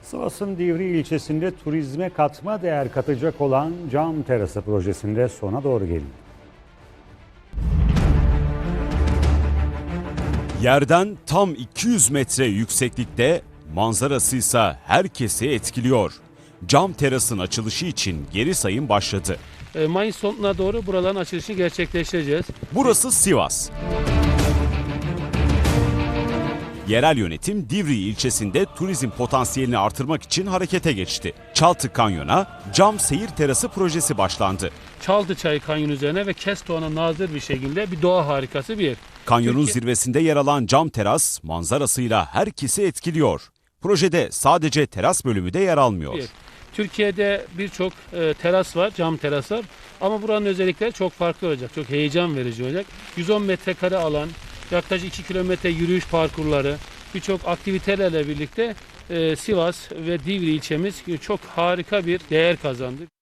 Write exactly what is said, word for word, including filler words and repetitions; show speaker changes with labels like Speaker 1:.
Speaker 1: Sivas'ın Divri ilçesinde turizme katma değer katacak olan cam terası projesinde sona doğru gelindi.
Speaker 2: Yerden tam iki yüz metre yükseklikte, manzarası ise herkesi etkiliyor. Cam terasın açılışı için geri sayım başladı.
Speaker 3: Mayıs sonuna doğru buraların açılışını gerçekleştireceğiz.
Speaker 2: Burası Sivas. Yerel yönetim Divri ilçesinde turizm potansiyelini artırmak için harekete geçti. Çaltı Kanyon'a cam seyir terası projesi başlandı.
Speaker 3: Çaldıçay Kanyon üzerine ve Kestoğan'a nazır bir şekilde bir doğa harikası bir yer.
Speaker 2: Kanyonun
Speaker 3: Türkiye...
Speaker 2: zirvesinde yer alan cam teras manzarasıyla herkesi etkiliyor. Projede sadece teras bölümü de yer almıyor.
Speaker 3: Bir. Türkiye'de birçok e, teras var, cam teraslar. Ama buranın özellikleri çok farklı olacak, çok heyecan verici olacak. yüz on metrekare alan, yaklaşık iki kilometre yürüyüş parkurları, birçok aktivitelerle birlikte e, Sivas ve Divri ilçemiz çok harika bir değer kazandı.